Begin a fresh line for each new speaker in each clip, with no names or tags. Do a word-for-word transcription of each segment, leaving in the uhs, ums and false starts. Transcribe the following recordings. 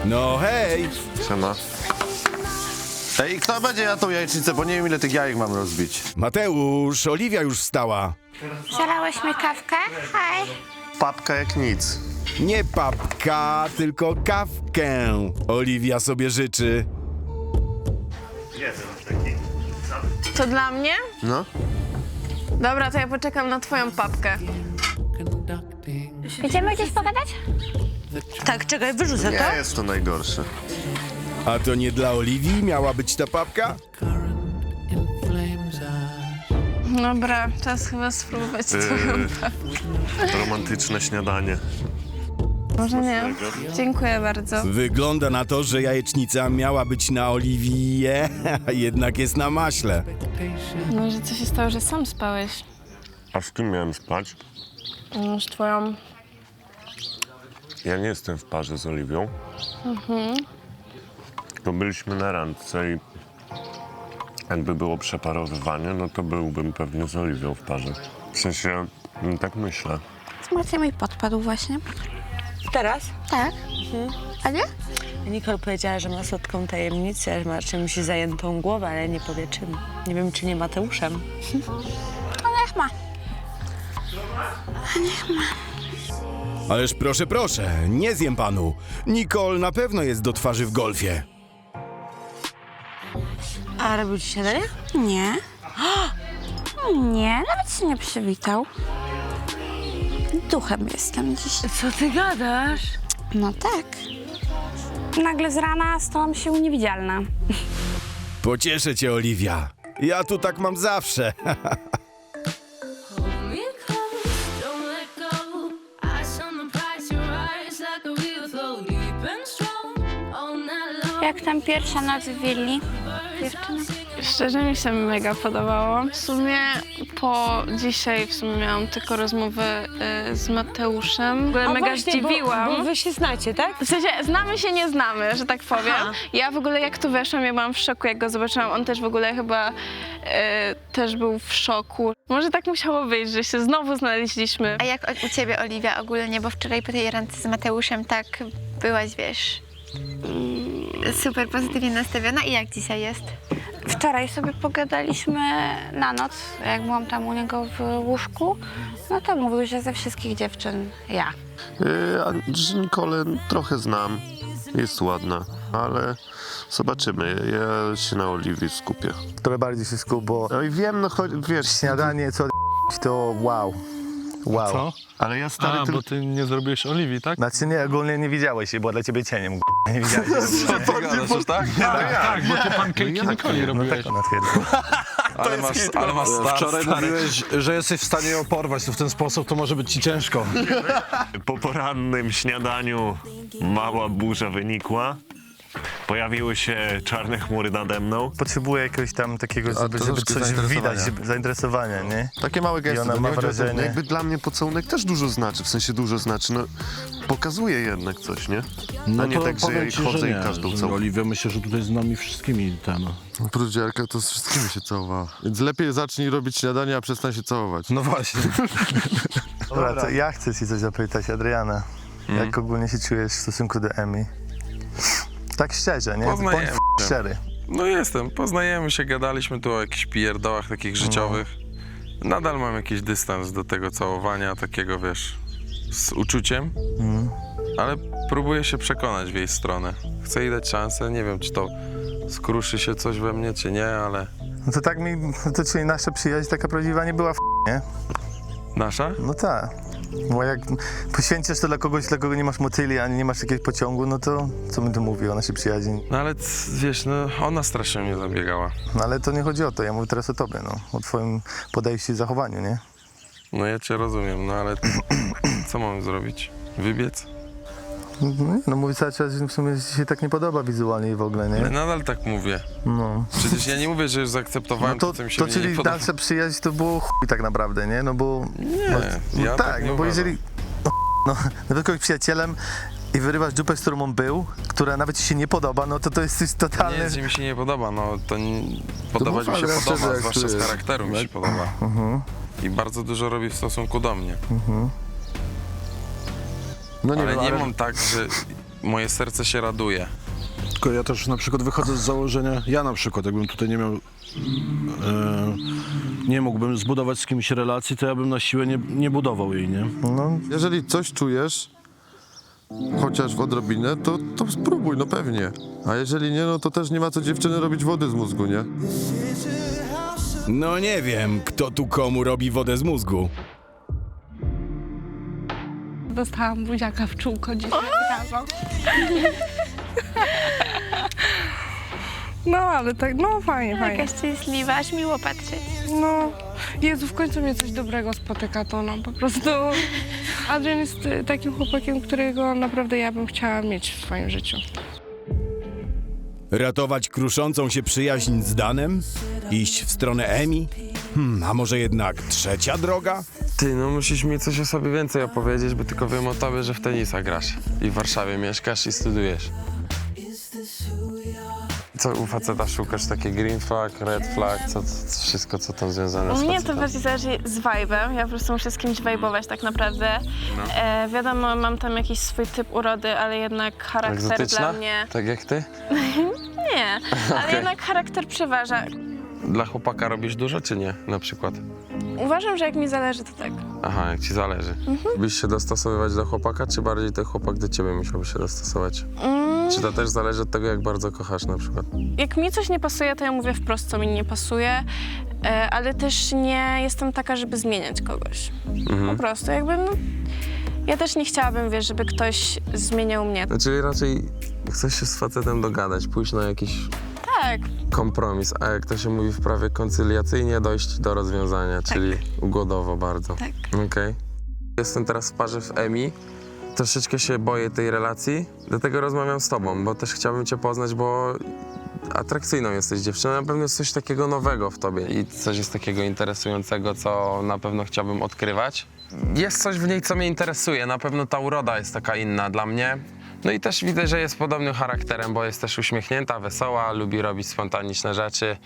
No hej!
Siema. Ej, kto będzie jadł tą jajecznicę, bo nie wiem ile tych jajek mam rozbić.
Mateusz, Oliwia już wstała.
Zalałeś mi kawkę? Hej.
Papka jak nic.
Nie papka, tylko kawkę. Oliwia sobie życzy.
To dla mnie?
No.
Dobra, to ja poczekam na twoją papkę.
Idziemy gdzieś pogadać?
Tak, czekaj, wyrzucę to.
Nie jest to najgorsze.
A to nie dla Oliwii miała być ta papka?
Dobra, czas chyba spróbować twoją papkę.
Romantyczne śniadanie.
Może nie? Dziękuję bardzo.
Wygląda na to, że jajecznica miała być na Oliwie, a jednak jest na maśle.
Może co się stało, że sam spałeś?
A z kim miałem spać?
No, z twoją...
Ja nie jestem w parze z Oliwią. Mhm. To byliśmy na randce i jakby było przeparowywanie, no to byłbym pewnie z Oliwią w parze. W sensie, no tak myślę.
Marcin mi podpadł właśnie.
Teraz?
Tak. A nie?
Nicole powiedziała, że ma słodką tajemnicę, że ma czymś zajętą głowę, ale nie powie czym. Nie wiem, czy nie Mateuszem.
To niech ma.
Ależ proszę, proszę, nie zjem panu. Nicole na pewno jest do twarzy w golfie.
A robił ci śniadanie?
Nie. Nie, nawet się nie przywitał. Duchem jestem dziś.
Co ty gadasz?
No tak. Nagle z rana stałam się niewidzialna.
Pocieszę cię, Oliwia. Ja tu tak mam zawsze.
Jak tam pierwsza noc w willi, dziewczyny?
Szczerze mi się mega podobało. W sumie po dzisiaj w sumie miałam tylko rozmowę y, z Mateuszem. W ogóle
A
mega
właśnie,
zdziwiłam.
Bo, bo wy się znacie, tak?
W sensie znamy się, nie znamy, że tak powiem.
Aha.
Ja w ogóle jak tu weszłam, ja byłam w szoku, jak go zobaczyłam. On też w ogóle chyba y, też był w szoku. Może tak musiało być, że się znowu znaleźliśmy.
A jak o- u ciebie, Oliwia, ogólnie, bo wczoraj po tej randce z Mateuszem tak byłaś, wiesz, super pozytywnie nastawiona i jak dzisiaj jest?
Wczoraj sobie pogadaliśmy na noc, jak byłam tam u niego w łóżku. No to mówił, że ze wszystkich dziewczyn ja.
Yy, a że Nicole trochę znam, jest ładna, ale zobaczymy. Ja się na Oliwii skupię.
Trochę bardziej się skup, bo
No i wiem, no choć, wiesz,
śniadanie co to wow. Wow.
Co?
ale ja stary
A,
tylko...
bo ty nie zrobiłeś Oliwii, tak?
Znaczy nie, ogólnie nie widziałeś się, była dla ciebie cieniem. Nie widziałeś się.
Co ty gadasz, już tak? Tak, tak, bo ty pankejki Nikoli
No
robiłeś.
tak ona twierdzi.
Ale masz, ale masz star,
Wczoraj
stary.
mówiłeś, że jesteś w stanie ją porwać, to w ten sposób to może być ci ciężko.
Po porannym śniadaniu mała burza wynikła. Pojawiły się czarne chmury nade mną.
Potrzebuję jakiegoś tam takiego, żeby, żeby
troszkę
coś
zainteresowania.
widać, żeby, zainteresowania, nie?
Takie małe gesty.
I ona
no
ma
nie chodzi o to,
wrażenie-
no jakby dla mnie pocałunek też dużo znaczy, w sensie dużo znaczy, no pokazuje jednak coś, nie?
No
A nie
to
tak, że ja
powiem
jej
ci,
chodzę
że
i
nie,
każdą
że
całuję.
Oliwia myślę, że tutaj z nami wszystkimi ten...
Oprócz Jarka to z wszystkimi się całowała. Więc lepiej zacznij robić śniadanie, a przestań się całować.
No właśnie.
Dobra, to ja chcę ci coś zapytać, Adriana. Jak ogólnie się czujesz w stosunku do Emi? Tak szczerze, nie?
Poznajemy
Bądź
się.
szczery.
No jestem, poznajemy się, gadaliśmy tu o jakichś pierdołach takich życiowych. Nadal mam jakiś dystans do tego całowania, takiego wiesz, z uczuciem, ale próbuję się przekonać w jej stronę. Chcę jej dać szansę, nie wiem, czy to skruszy się coś we mnie, czy nie, ale
No to tak mi, no to czyli nasza przyjaźń taka prawdziwa nie była f***, nie?
nasza?
No tak. Bo jak poświęcisz to dla kogoś, dla kogo nie masz motyli, ani nie masz jakiegoś pociągu, no to co bym tu mówił o naszej przyjaźni?
No ale c- wiesz, no ona strasznie mnie zabiegała.
No ale to nie chodzi o to, ja mówię teraz o tobie, no. O twoim podejściu i zachowaniu, nie?
No ja cię rozumiem, no ale co mam zrobić? Wybiec?
No, nie, no mówię cały czas, że w sumie ci się tak nie podoba wizualnie i w ogóle,
Ale
nie?
nadal tak mówię.
No.
Przecież ja nie mówię, że już
No
zaakceptowałem
to,
to, co mi się
to
w niej nie
czyli
podoba.
nasza przyjaźń to było chuj tak naprawdę, nie? No bo...
Nie,
no, no
ja
tak,
tak nie
no bo
uważam.
jeżeli... No, no, nawet kogoś przyjacielem i wyrywasz dupę, z którą on był, która nawet ci się nie podoba, no to to jest coś
Nie,
totalne...
że mi się nie podoba, no to nie, podobać
mów,
mi się
ale
podoba,
szczerze, jak
zwłaszcza z
czujesz.
charakteru mi się podoba. I bardzo dużo robi w stosunku do mnie.
No nie
ale
wiem,
nie
ale...
mam tak, że moje serce się raduje.
Tylko ja też na przykład wychodzę z założenia, ja na przykład, jakbym tutaj nie miał, e, nie mógłbym zbudować z kimś relacji, to ja bym na siłę nie, nie budował jej, nie?
No,
Jeżeli coś czujesz, chociaż w odrobinę, to, to spróbuj, no pewnie. A jeżeli nie, no to też nie ma co dziewczyny robić wody z mózgu, nie?
No nie wiem, kto tu komu robi wodę z mózgu.
Dostałam buziaka w czółko dzisiaj rano. No, ale tak, no fajnie, fajnie.
Jakaś szczęśliwa, aż miło patrzeć.
No, Jezu, w końcu mnie coś dobrego spotyka, to no po prostu... Adrian jest y, takim chłopakiem, którego naprawdę ja bym chciała mieć w swoim życiu.
Ratować kruszącą się przyjaźń z Danem? Iść w stronę Emi? Hmm, a może jednak trzecia droga?
Ty, no musisz mi coś o sobie więcej opowiedzieć, bo tylko wiem o tobie, że w tenisa grasz i w Warszawie mieszkasz i studujesz. Co u faceta szukasz? Takie green flag, red flag, co, co, wszystko co tam związane
U
z
mnie to
facetem?
bardziej zależy z vibe'em, ja po prostu muszę z kimś vibe'ować tak naprawdę. E, wiadomo, mam tam jakiś swój typ urody, ale jednak charakter
Egzotyczna?
dla mnie...
Tak jak ty?
Nie, ale
Okej.
jednak charakter przeważa.
Dla chłopaka robisz dużo, czy nie, na przykład?
Uważam, że jak mi zależy, to tak.
Aha, jak ci zależy.
Mhm.
Byś się dostosowywać do chłopaka, czy bardziej ten chłopak do ciebie musiałby się dostosować?
Mm,
Czy to też zależy od tego, jak bardzo kochasz na przykład?
jak mi coś nie pasuje, to ja mówię wprost, co mi nie pasuje, e, ale też nie jestem taka, żeby zmieniać kogoś.
Mhm.
Po prostu jakby, no, ja też nie chciałabym, wiesz, żeby ktoś zmieniał mnie.
No, czyli raczej chcesz się z facetem dogadać, pójść na jakiś
Tak,
kompromis, a jak to się mówi w prawie koncyliacyjnie, dojść do rozwiązania, czyli ugodowo bardzo.
tak.
Okej. Jestem teraz w parze w Emi. Troszeczkę się boję tej relacji, dlatego rozmawiam z tobą, bo też chciałbym cię poznać, bo atrakcyjną jesteś dziewczyną, na pewno jest coś takiego nowego w tobie i coś jest takiego interesującego, co na pewno chciałbym odkrywać. Jest coś w niej, co mnie interesuje, na pewno ta uroda jest taka inna dla mnie. No i też widzę, że jest podobnym charakterem, bo jest też uśmiechnięta, wesoła, lubi robić spontaniczne rzeczy.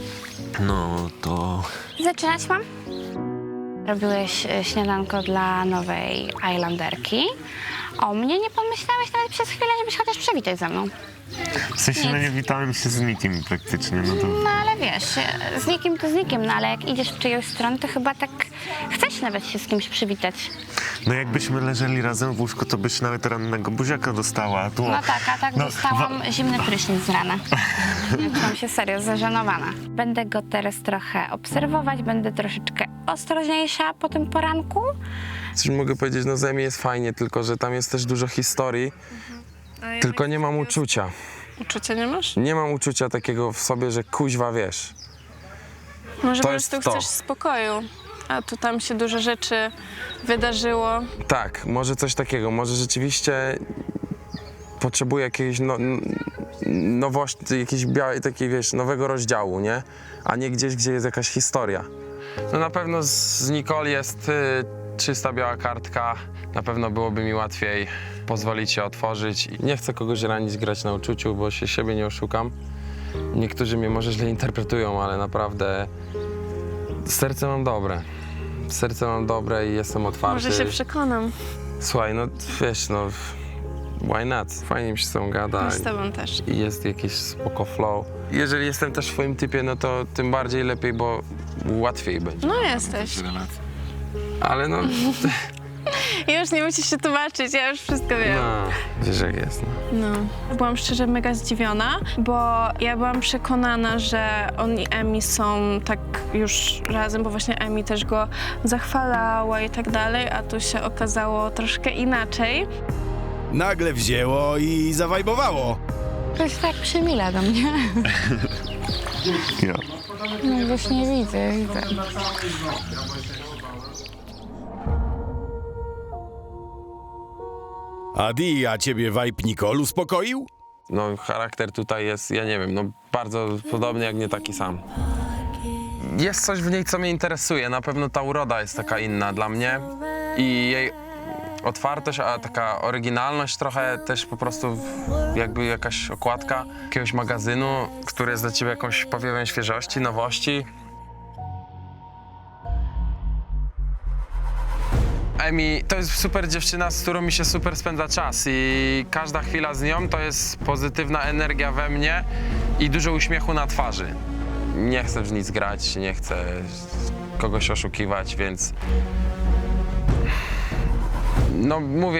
No to...
Zaczynać mam? Robiłeś e, śniadanko dla nowej Islanderki. O mnie nie pomyślałeś nawet przez chwilę, żebyś chociaż przywitać ze mną.
W sensie, no nie witałem się z nikim praktycznie, no to...
No ale wiesz, e, z nikim to z nikim, no ale jak idziesz w czyjąś stronę, to chyba tak chcesz nawet się z kimś przywitać.
No jakbyśmy leżeli razem w łóżku, to byś nawet rannego buziaka dostała, a tu...
No tak, a tak
No,
dostałam zimny prysznic z rana. Czułam się serio zażenowana. Będę go teraz trochę obserwować, będę troszeczkę ostrożniejsza po tym poranku.
Coś mogę powiedzieć, no z Emi jest fajnie, tylko że tam jest też dużo historii, tylko nie mam uczucia.
Uczucia nie masz?
Nie mam uczucia takiego w sobie, że kuźwa, wiesz.
Może
To
po
jest
prostu
to.
chcesz spokoju, a tu tam się dużo rzeczy wydarzyło.
Tak, może coś takiego, może rzeczywiście potrzebuję jakiegoś no, n- nowości, jakiegoś białej, takiej, wiesz, nowego rozdziału, nie? A nie gdzieś, gdzie jest jakaś historia. No na pewno z, z Nicole jest y, czysta biała kartka, na pewno byłoby mi łatwiej pozwolić się otworzyć. Nie chcę kogoś ranić, grać na uczuciu, bo się siebie nie oszukam. Niektórzy mnie może źle interpretują, ale naprawdę serce mam dobre. Serce mam dobre i jestem otwarty.
Może się przekonam.
Słuchaj, no wiesz, no why not? Fajnie mi się z tą gada.
No z tobą też.
I jest jakiś spoko flow. Jeżeli jestem też w twoim typie, no to tym bardziej lepiej, bo łatwiej będzie.
No jesteś.
Ale no,
Już nie musisz się tłumaczyć, ja już wszystko wiem.
no wiesz jak jest. No.
No. Byłam szczerze mega zdziwiona, bo ja byłam przekonana, że on i Emi są tak już razem, bo właśnie Emi też go zachwalała i tak dalej, a tu się okazało troszkę inaczej.
Nagle wzięło i zawajbowało.
To jest tak przymila do mnie.
Ja.
No już nie widzę, widzę.
Adi, a ciebie vibe Nicole uspokoił?
No charakter tutaj jest, ja nie wiem, no bardzo podobny, jak nie taki sam. Jest coś w niej, co mnie interesuje. Na pewno ta uroda jest taka inna dla mnie i jej otwartość, a taka oryginalność trochę też po prostu jakby jakaś okładka jakiegoś magazynu, który jest dla ciebie jakąś powiewem świeżości, nowości. Emi to jest super dziewczyna, z którą mi się super spędza czas i każda chwila z nią to jest pozytywna energia we mnie i dużo uśmiechu na twarzy. Nie chcę w nic grać, nie chcę kogoś oszukiwać, więc no mówię,